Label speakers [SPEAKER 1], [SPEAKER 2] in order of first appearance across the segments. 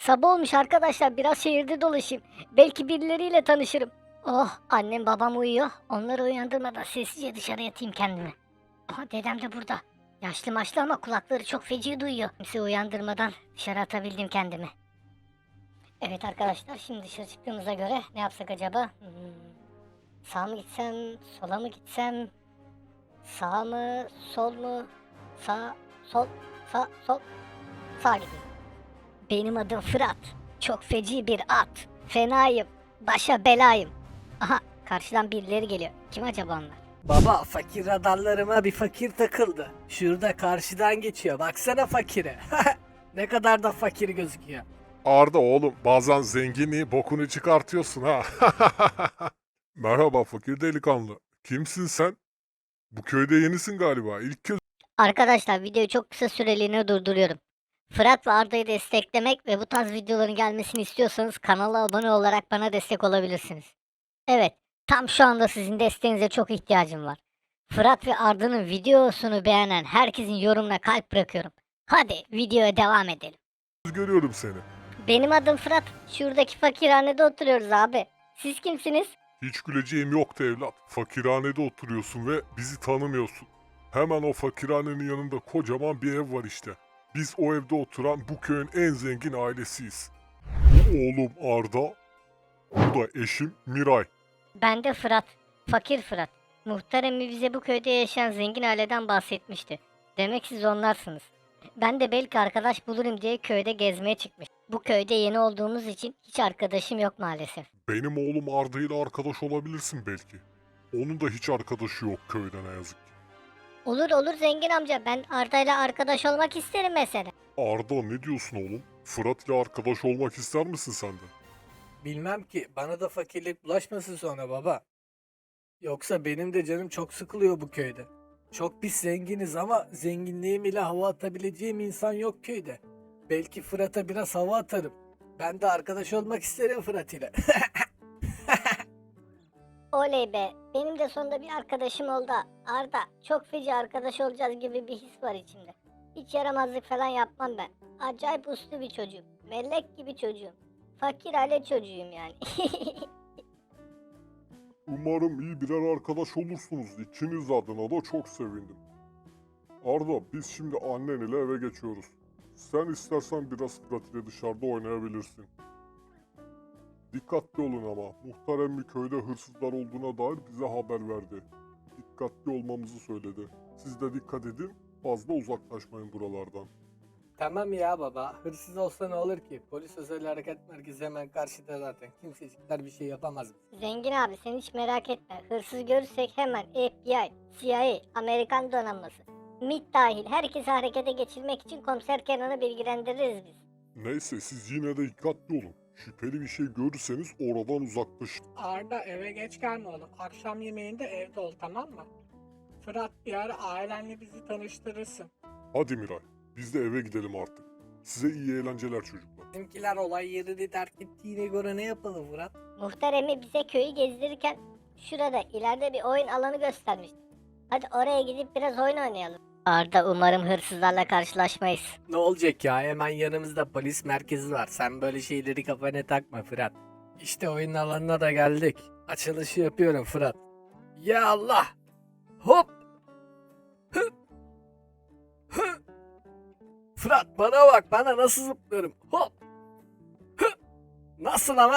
[SPEAKER 1] Sabah olmuş arkadaşlar, biraz şehirde dolaşayım. Belki birileriyle tanışırım. Oh, annem babam uyuyor. Onları uyandırmadan sessizce dışarı yatayım kendimi. Aha, dedem de burada. Yaşlı maçlı ama kulakları çok feci duyuyor. Kimse uyandırmadan dışarı atabildim kendimi. Evet arkadaşlar, şimdi dışarı çıktığımıza göre ne yapsak acaba? Sağ mı gitsem, sola mı gitsem? Sağ mı, sol mu? Sağ, sol, sağ, sol. Sağ gideyim. Benim adım Fırat. Çok feci bir at. Fenayım. Başa belayım. Aha, karşıdan birileri geliyor. Kim acaba onlar?
[SPEAKER 2] Baba fakir radarlarıma bir fakir takıldı. Şurada karşıdan geçiyor. Baksana fakire. Ne kadar da fakir gözüküyor.
[SPEAKER 3] Arda oğlum bazen zenginliği bokunu çıkartıyorsun ha. Merhaba fakir delikanlı. Kimsin sen? Bu köyde yenisin galiba. İlk kez
[SPEAKER 1] Arkadaşlar, videoyu çok kısa süreliğine durduruyorum. Fırat ve Arda'yı desteklemek ve bu tarz videoların gelmesini istiyorsanız kanala abone olarak bana destek olabilirsiniz. Evet, tam şu anda sizin desteğinize çok ihtiyacım var. Fırat ve Arda'nın videosunu beğenen herkesin yorumuna kalp bırakıyorum. Hadi videoya devam edelim.
[SPEAKER 3] görüyorum seni.
[SPEAKER 1] Benim adım Fırat. Şuradaki fakirhanede oturuyoruz abi. Siz kimsiniz?
[SPEAKER 3] Hiç güleceğim yoktu evlat. Fakirhanede oturuyorsun ve bizi tanımıyorsun. Hemen o fakirhanenin yanında kocaman bir ev var işte. Biz o evde oturan bu köyün en zengin ailesiyiz. Bu oğlum Arda, bu da eşim Miray.
[SPEAKER 1] Ben de Fırat. Fakir Fırat. Muhtar emmi bize bu köyde yaşayan zengin aileden bahsetmişti. Demek siz onlarsınız. Ben de belki arkadaş bulurum diye köyde gezmeye çıkmış. Bu köyde yeni olduğumuz için hiç arkadaşım yok maalesef.
[SPEAKER 3] Benim oğlum Arda ile arkadaş olabilirsin belki. Onun da hiç arkadaşı yok köyde ne yazık ki.
[SPEAKER 1] Olur olur zengin amca, ben Arda'yla arkadaş olmak isterim mesela.
[SPEAKER 3] Arda ne diyorsun oğlum? Fırat ile arkadaş olmak ister misin sen de?
[SPEAKER 2] Bilmem ki bana da fakirlik bulaşmasın sonra baba. Yoksa benim de canım çok sıkılıyor bu köyde. Çok pis zenginiz ama zenginliğim ile hava atabileceğim insan yok köyde. Belki Fırat'a biraz hava atarım. Ben de arkadaş olmak isterim Fırat ile.
[SPEAKER 1] Oley be, benim de sonunda bir arkadaşım oldu. Arda, çok feci arkadaş olacağız gibi bir his var içimde. Hiç yaramazlık falan yapmam ben. Acayip uslu bir çocuğum. Melek gibi çocuğum. Fakir aile çocuğuyum yani.
[SPEAKER 3] Umarım iyi birer arkadaş olursunuz. İkiniz adına da çok sevindim. Arda biz şimdi annen ile eve geçiyoruz. Sen istersen biraz Fırat ile dışarıda oynayabilirsin. Dikkatli olun ama. Muhtar emmi köyde hırsızlar olduğuna dair bize haber verdi. Dikkatli olmamızı söyledi. Siz de dikkat edin. Fazla uzaklaşmayın buralardan.
[SPEAKER 2] Tamam ya baba. Hırsız olsa ne olur ki? Polis özel hareket merkezi hemen karşıda zaten. Kimsecikler bir şey yapamaz.
[SPEAKER 1] Zengin abi, sen hiç merak etme. Hırsız görürsek hemen FBI, CIA, Amerikan donanması, MİT dahil herkesi harekete geçirmek için komiser Kenan'ı bilgilendiririz biz.
[SPEAKER 3] Neyse siz yine de dikkatli olun. Şüpheli bir şey görürseniz oradan uzaklaşın.
[SPEAKER 4] Arda eve geç gelme oğlum. Akşam yemeğinde evde ol, tamam mı? Fırat bir ara ailenle bizi tanıştırırsın.
[SPEAKER 3] Hadi Miray, biz de eve gidelim artık. Size iyi eğlenceler çocuklar.
[SPEAKER 2] Bizimkiler olay yerini terk ettiğine göre ne yapalım Fırat?
[SPEAKER 1] Muhtar emmi bize köyü gezdirirken şurada ileride bir oyun alanı göstermişti. Hadi oraya gidip biraz oyun oynayalım. Arda, umarım hırsızlarla karşılaşmayız.
[SPEAKER 2] Ne olacak ya? Hemen yanımızda polis merkezi var. Sen böyle şeyleri kafana takma Fırat. İşte oyun alanına da geldik. Açılışı yapıyorum Fırat. Ya Allah! Hop! Hı! Hı! Fırat bana bak, bana nasıl zıplıyorum. Hop! Hı! Nasıl ama?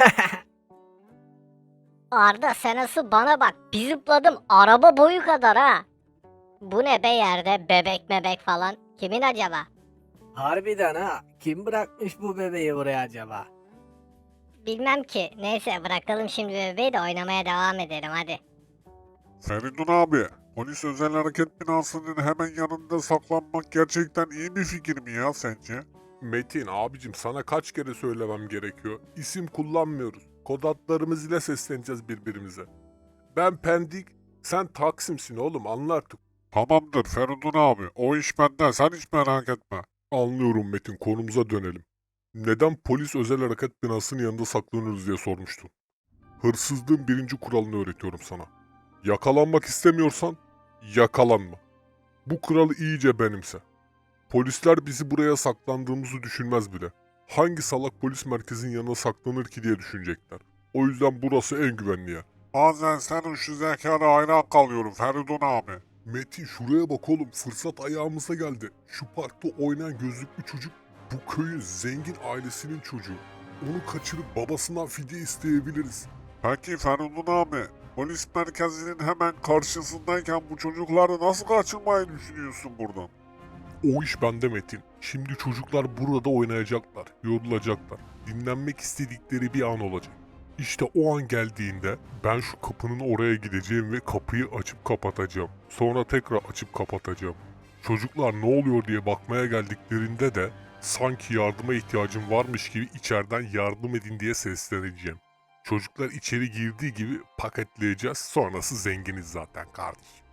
[SPEAKER 1] Arda, sen asıl bana bak, bir zıpladım araba boyu kadar ha. Bu ne be, yerde bebek mebek falan, kimin acaba?
[SPEAKER 2] Harbiden ha. Kim bırakmış bu bebeği buraya acaba?
[SPEAKER 1] Bilmem ki, neyse bırakalım şimdi bebeği de oynamaya devam edelim hadi.
[SPEAKER 3] Feridun abi, polis özel hareket binasının hemen yanında saklanmak gerçekten iyi bir fikir mi ya sence? Metin abicim sana kaç kere söylemem gerekiyor. İsim kullanmıyoruz. Kod adlarımız ile sesleneceğiz birbirimize. Ben Pendik, sen Taksim'sin oğlum anla artık. Tamamdır Feridun abi, o iş benden sen hiç merak etme. Anlıyorum Metin, konumuza dönelim. Neden polis özel hareket binasının yanında saklanıyoruz diye sormuştun. Hırsızlığın birinci kuralını öğretiyorum sana. Yakalanmak istemiyorsan yakalanma. Bu kuralı iyice benimse. Polisler bizi buraya saklandığımızı düşünmez bile. Hangi salak polis merkezinin yanına saklanır ki diye düşünecekler. O yüzden burası en güvenli yer. Bazen senin şu zekana hayran kalıyorum Feridun abi. Metin şuraya bak oğlum, fırsat ayağımıza geldi. Şu parkta oynayan gözlüklü çocuk bu köyün zengin ailesinin çocuğu. Onu kaçırıp babasından fidye isteyebiliriz. Peki Feridun abi, polis merkezinin hemen karşısındayken bu çocukları nasıl kaçırmayı düşünüyorsun buradan? O iş bende Metin. Şimdi çocuklar burada oynayacaklar, yorulacaklar. Dinlenmek istedikleri bir an olacak. İşte o an geldiğinde ben şu kapının oraya gideceğim ve kapıyı açıp kapatacağım. Sonra tekrar açıp kapatacağım. Çocuklar ne oluyor diye bakmaya geldiklerinde de sanki yardıma ihtiyacım varmış gibi içeriden yardım edin diye sesleneceğim. Çocuklar içeri girdiği gibi paketleyeceğiz, sonrası zenginiz zaten kardeşim.